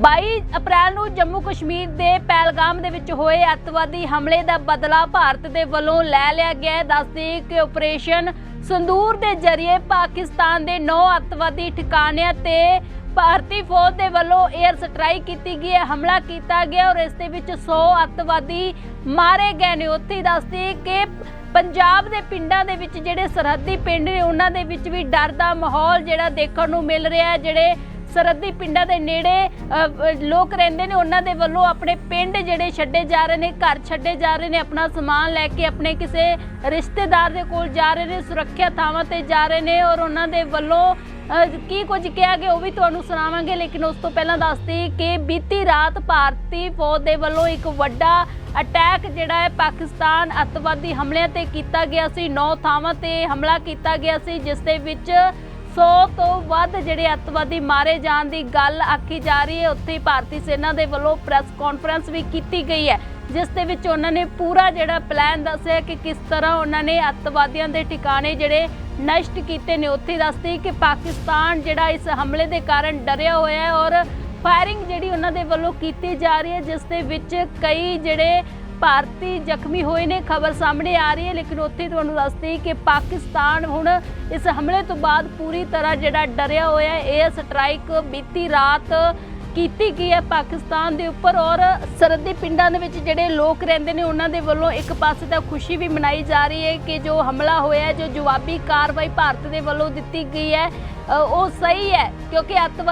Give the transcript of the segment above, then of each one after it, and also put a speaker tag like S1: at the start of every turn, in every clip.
S1: 22 ਅਪ੍ਰੈਲ ਨੂੰ ਜੰਮੂ ਕਸ਼ਮੀਰ ਦੇ ਪਹਿਲਗਾਮ ਦੇ ਵਿੱਚ ਹੋਏ ਅੱਤਵਾਦੀ ਹਮਲੇ ਦਾ ਬਦਲਾ ਭਾਰਤ ਦੇ ਵੱਲੋਂ ਲੈ ਲਿਆ ਗਿਆ ਹੈ। ਦੱਸਦੇ ਕਿ ਆਪਰੇਸ਼ਨ ਸੰਦੂਰ ਦੇ ਜ਼ਰੀਏ ਪਾਕਿਸਤਾਨ ਦੇ 9 ਅੱਤਵਾਦੀ ਠਿਕਾਣਿਆਂ ਤੇ ਭਾਰਤੀ ਫੌਜ ਦੇ ਵੱਲੋਂ 에ਅਰ ਸਟ੍ਰਾਈਕ ਕੀਤੀ ਗਈ ਹੈ, ਹਮਲਾ ਕੀਤਾ ਗਿਆ ਔਰ ਇਸ ਦੇ ਵਿੱਚ 100 ਅੱਤਵਾਦੀ ਮਾਰੇ ਗਏ ਨੇ। ਉੱਥੇ ਦੱਸਦੇ ਕਿ ਪੰਜਾਬ ਦੇ ਪਿੰਡਾਂ ਦੇ ਵਿੱਚ ਜਿਹੜੇ ਸਰਹੱਦੀ ਪਿੰਡ ਨੇ ਉਹਨਾਂ ਦੇ ਵਿੱਚ ਵੀ ਡਰ ਦਾ ਮਾਹੌਲ ਜਿਹੜਾ ਦੇਖਣ ਨੂੰ ਮਿਲ ਰਿਹਾ ਹੈ। ਜਿਹੜੇ ਸਰਹੱਦੀ ਪਿੰਡਾਂ ਦੇ ਨੇੜੇ ਲੋਕ ਰਹਿੰਦੇ ਨੇ ਉਹਨਾਂ ਦੇ ਵੱਲੋਂ ਆਪਣੇ ਪਿੰਡ ਜਿਹੜੇ ਛੱਡੇ ਜਾ ਰਹੇ ਨੇ, ਘਰ ਛੱਡੇ ਜਾ ਰਹੇ ਨੇ, ਆਪਣਾ ਸਮਾਨ ਲੈ ਕੇ ਆਪਣੇ ਕਿਸੇ ਰਿਸ਼ਤੇਦਾਰ ਦੇ ਕੋਲ ਜਾ ਰਹੇ ਨੇ, ਸੁਰੱਖਿਆ ਥਾਵਾਂ ਤੇ ਜਾ ਰਹੇ ਨੇ ਔਰ ਉਹਨਾਂ ਦੇ ਵੱਲੋਂ ਕੀ ਕੁਝ ਕਿਹਾ ਗਿਆ ਉਹ ਵੀ ਤੁਹਾਨੂੰ ਸੁਣਾਵਾਂਗੇ। ਲੇਕਿਨ ਉਸ ਤੋਂ ਪਹਿਲਾਂ ਦੱਸਦੀ ਕਿ ਬੀਤੀ ਰਾਤ ਭਾਰਤੀ ਫੌਜ ਦੇ ਵੱਲੋਂ ਇੱਕ ਵੱਡਾ ਅਟੈਕ ਜਿਹੜਾ ਹੈ ਪਾਕਿਸਤਾਨ ਅੱਤਵਾਦੀ ਹਮਲਿਆਂ ਤੇ ਕੀਤਾ ਗਿਆ ਸੀ। 9 ਥਾਵਾਂ ਤੇ ਹਮਲਾ ਕੀਤਾ ਗਿਆ ਸੀ ਜਿਸ ਦੇ ਵਿੱਚ 100 ਤੋਂ ਵੱਧ ਜਿਹੜੇ ਅੱਤਵਾਦੀ ਮਾਰੇ ਜਾਣ ਦੀ ਗੱਲ ਆਖੀ ਜਾ ਰਹੀ ਹੈ। ਉੱਥੇ ਭਾਰਤੀ ਸੈਨਾ ਦੇ ਵੱਲੋਂ ਪ੍ਰੈਸ ਕਾਨਫਰੰਸ ਵੀ ਕੀਤੀ ਗਈ ਹੈ ਜਿਸ ਦੇ ਵਿੱਚ ਉਹਨਾਂ ਨੇ ਪੂਰਾ ਜਿਹੜਾ ਪਲਾਨ ਦੱਸਿਆ ਕਿ ਕਿਸ ਤਰ੍ਹਾਂ ਉਹਨਾਂ ਨੇ ਅੱਤਵਾਦੀਆਂ ਦੇ ਠਿਕਾਣੇ ਜਿਹੜੇ ਨਸ਼ਟ ਕੀਤੇ ਨੇ। ਉੱਥੇ ਦੱਸਦੀ ਕਿ ਪਾਕਿਸਤਾਨ ਜਿਹੜਾ ਇਸ ਹਮਲੇ ਦੇ ਕਾਰਨ ਡਰਿਆ ਹੋਇਆ ਹੈ ਔਰ ਫਾਇਰਿੰਗ ਜਿਹੜੀ ਉਹਨਾਂ ਦੇ ਵੱਲੋਂ ਕੀਤੀ ਜਾ ਰਹੀ ਹੈ ਜਿਸ ਦੇ ਵਿੱਚ ਕਈ ਜਿਹੜੇ ਭਾਰਤੀ ਜ਼ਖਮੀ ਹੋਏ ਨੇ, ਖਬਰ ਸਾਹਮਣੇ ਆ ਰਹੀ ਹੈ। ਲੇਕਿਨ ਉੱਥੇ ਤੁਹਾਨੂੰ ਦੱਸਦੀ ਕਿ ਪਾਕਿਸਤਾਨ ਹੁਣ ਇਸ ਹਮਲੇ ਤੋਂ ਬਾਅਦ ਪੂਰੀ ਤਰ੍ਹਾਂ ਜਿਹੜਾ ਡਰਿਆ ਹੋਇਆ ਹੈ। 에ਅਰ ਸਟ੍ਰਾਈਕ ਬੀਤੀ ਰਾਤ ਕੀਤੀ ਗਈ ਹੈ ਪਾਕਿਸਤਾਨ ਦੇ ਉੱਪਰ ਔਰ ਸਰਹੱਦੀ ਪਿੰਡਾਂ ਦੇ ਵਿੱਚ ਜਿਹੜੇ ਲੋਕ ਰਹਿੰਦੇ ਨੇ ਉਹਨਾਂ ਦੇ ਵੱਲੋਂ ਇੱਕ ਪਾਸੇ ਤਾਂ ਖੁਸ਼ੀ ਵੀ ਮਨਾਈ ਜਾ ਰਹੀ ਹੈ ਕਿ ਜੋ ਹਮਲਾ ਹੋਇਆ, ਜੋ ਜਵਾਬੀ ਕਾਰਵਾਈ ਭਾਰਤ ਦੇ ਵੱਲੋਂ ਦਿੱਤੀ ਗਈ ਹੈ ਉਹ ਸਹੀ ਹੈ ਕਿਉਂਕਿ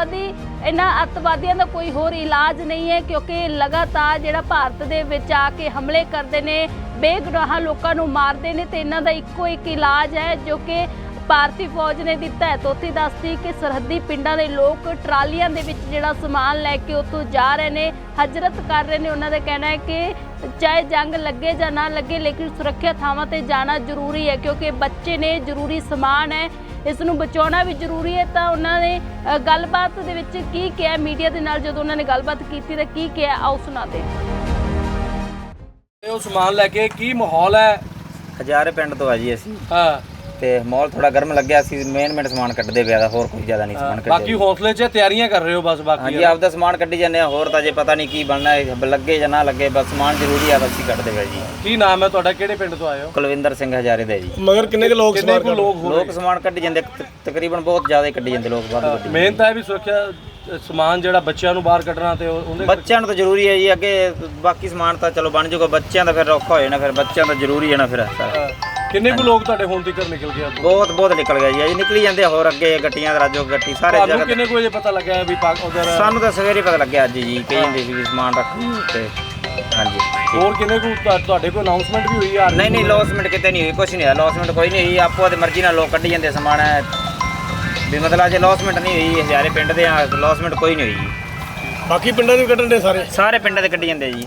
S1: ਇਹਨਾਂ ਅੱਤਵਾਦੀਆਂ ਦਾ ਕੋਈ ਹੋਰ ਇਲਾਜ ਨਹੀਂ ਹੈ ਕਿਉਂਕਿ ਲਗਾਤਾਰ ਜਿਹੜਾ ਭਾਰਤ ਦੇ ਵਿੱਚ ਆ ਕੇ ਹਮਲੇ ਕਰਦੇ ਨੇ, ਬੇਗੁਨਾਹ ਲੋਕਾਂ ਨੂੰ ਮਾਰਦੇ ਨੇ ਤੇ ਇਹਨਾਂ ਦਾ ਇੱਕੋ ਇੱਕ ਇਲਾਜ ਹੈ ਜੋ ਕਿ ਭਾਰਤੀ ਫੌਜ ਨੇ ਦਿੱਤਾ ਹੈ। ਤੋਤੀ ਦੱਸਦੀ ਕਿ ਸਰਹੱਦੀ ਪਿੰਡਾਂ ਦੇ ਲੋਕ ਟਰਾਲੀਆਂ ਦੇ ਵਿੱਚ ਜਿਹੜਾ ਸਮਾਨ ਲੈ ਕੇ ਉੱਥੋਂ ਜਾ ਰਹੇ ਨੇ, ਹਜਰਤ ਕਰ ਰਹੇ ਨੇ। ਉਹਨਾਂ ਦਾ ਕਹਿਣਾ ਹੈ ਕਿ ਚਾਹੇ ਜੰਗ ਲੱਗੇ ਜਾਂ ਨਾ ਲੱਗੇ ਲੇਕਿਨ ਸੁਰੱਖਿਆ ਥਾਵਾਂ ਤੇ ਜਾਣਾ ਜ਼ਰੂਰੀ ਹੈ ਕਿਉਂਕਿ ਬੱਚੇ ਨੇ, ਜ਼ਰੂਰੀ ਸਮਾਨ ਹੈ, ਇਸ ਨੂੰ ਬਚਾਉਣਾ ਵੀ ਜ਼ਰੂਰੀ ਹੈ। ਤਾਂ ਉਹਨਾਂ ਨੇ ਗੱਲਬਾਤ ਦੇ ਵਿੱਚ ਕੀ ਕਿਹਾ ਮੀਡੀਆ ਦੇ ਨਾਲ, ਜਦੋਂ ਉਹਨਾਂ ਨੇ ਗੱਲਬਾਤ ਕੀਤੀ ਤਾਂ ਕੀ ਕਿਹਾ ਆਓ ਸੁਣਾਦੇ।
S2: ਉਹ ਸਮਾਨ ਲੈ ਕੇ ਕੀ ਮਾਹੌਲ ਹੈ?
S3: ਹਜ਼ਾਰੇ ਪਿੰਡ ਤੋਂ ਆ ਜੀ ਅਸੀਂ।
S2: ਹਾਂ
S3: ਤੇ ਮਾਹੌਲ ਥੋੜਾ ਗਰਮ ਲੱਗਿਆ ਸੀ, ਮੇਨ ਸਮਾਨ ਕੱਢਦੇ ਪਿਆ ਦਾ, ਹੋਰ ਕੋਈ ਜ਼ਿਆਦਾ ਨਹੀਂ ਸਮਾਨ ਕੱਢਦੇ।
S2: ਬਾਕੀ ਹੌਸਲੇ 'ਚ ਤਿਆਰੀਆਂ ਕਰ ਰਹੇ ਹੋ ਬਸ? ਬਾਕੀ
S3: ਹਾਂਜੀ ਆਪਦਾ ਸਮਾਨ ਕੱਢੀ ਜਾਂਦੇ ਆ, ਹੋਰ ਤਾਂ ਜੇ ਪਤਾ ਨਹੀਂ ਕੀ ਬਣਨਾ ਹੈ, ਲੱਗੇ ਜਾਂ ਨਾ ਲੱਗੇ, ਬਸ ਸਮਾਨ ਜ਼ਰੂਰੀ ਆ, ਬਸ ਹੀ ਕੱਢਦੇ ਪਿਆ ਜੀ।
S2: ਕੀ ਨਾਮ ਹੈ ਤੁਹਾਡਾ, ਕਿਹੜੇ ਪਿੰਡ ਤੋਂ ਆਏ ਹੋ?
S3: ਕੁਲਵਿੰਦਰ ਸਿੰਘ ਹਜ਼ਾਰੇ ਦਾ ਜੀ।
S4: ਮਗਰ ਕਿੰਨੇ ਕੁ ਲੋਕ
S3: ਸਮਾਨ ਕੱਢੀ ਜਾਂਦੇ, ਤਕਰੀਬਨ ਬਹੁਤ ਜ਼ਿਆਦਾ ਹੀ ਕੱਢੀ ਜਾਂਦੇ ਲੋਕ ਬਾਹਰ।
S2: ਮਿਹਨਤ ਹੈ ਵੀ ਸੁਰੱਖਿਆ ਸਮਾਨ ਜਿਹੜਾ ਬੱਚਿਆਂ ਨੂੰ ਬਾਹਰ ਕੱਢਣਾ ਤੇ ਉਹਦੇ
S3: ਬੱਚਿਆਂ ਨੂੰ ਤਾਂ ਜ਼ਰੂਰੀ ਹੈ ਜੀ। ਅੱਗੇ ਬਾਕੀ ਸਮਾਨ ਤਾਂ ਚਲੋ ਬਣ ਜਾਊਗਾ, ਬੱਚਿਆਂ ਦਾ ਫਿਰ ਔਖਾ ਹੋ ਜਾਣਾ, ਫਿਰ ਬੱਚਿਆਂ ਦਾ ਜ਼ਰੂਰੀ ਹੈ ਨਾ ਫਿਰ ਸਾਰਾ।
S2: ਕਿੰਨੇ ਕੁ ਲੋਕ ਤੁਹਾਡੇ ਹੁਣ ਤੱਕ ਨਿਕਲ ਗਏ?
S3: ਬਹੁਤ ਨਿਕਲ ਗਿਆ ਜੀ, ਅਜੇ ਨਿਕਲੀ ਜਾਂਦੇ, ਹੋਰ ਅੱਗੇ ਗੱਟੀਆਂ ਰਾਜੋ ਗੱਟੀ ਸਾਰੇ ਜਗ੍ਹਾ।
S2: ਕਿੰਨੇ ਕੁ ਵਜੇ ਪਤਾ ਲੱਗਿਆ ਵੀ ਉਧਰ?
S3: ਸਾਨੂੰ ਤਾਂ ਸਵੇਰੇ ਪਤਾ ਲੱਗਿਆ ਅੱਜ ਜੀ, ਕਹੀ ਜਾਂਦੇ ਸੀ ਵੀ ਸਮਾਨ ਰੱਖ ਤੇ ਹਾਂਜੀ।
S2: ਹੋਰ ਕਿੰਨੇ ਕੁ ਤੁਹਾਡੇ ਕੋਲ ਅਨਾਉਂਸਮੈਂਟ ਵੀ ਹੋਈ?
S3: ਨਹੀਂ ਲੌਸਮੈਂਟ ਕਿਤੇ ਨਹੀਂ ਹੋਈ, ਕੁਛ ਨਹੀਂ ਹੋਇਆ, ਲੌਸਮੈਂਟ ਕੋਈ ਨਹੀਂ ਹੋਈ। ਆਪੋ ਦੀ ਮਰਜ਼ੀ ਨਾਲ ਲੋਕ ਕੱਢੀ ਜਾਂਦੇ ਸਮਾਨ ਵੀ, ਮਤਲਬ ਅਜੇ ਲੌਸਮੈਂਟ ਨਹੀਂ ਹੋਈ। ਹਜ਼ਾਰੇ ਪਿੰਡ ਦੇ ਲੌਸਮੈਂਟ ਕੋਈ ਨਹੀਂ ਹੋਈ ਜੀ।
S4: ਬਾਕੀ ਪਿੰਡਾਂ ਦੇ ਕੱਢਣ ਦੇ ਸਾਰੇ
S3: ਪਿੰਡਾਂ ਦੇ ਕੱਢੀ ਜਾਂਦੇ ਜੀ।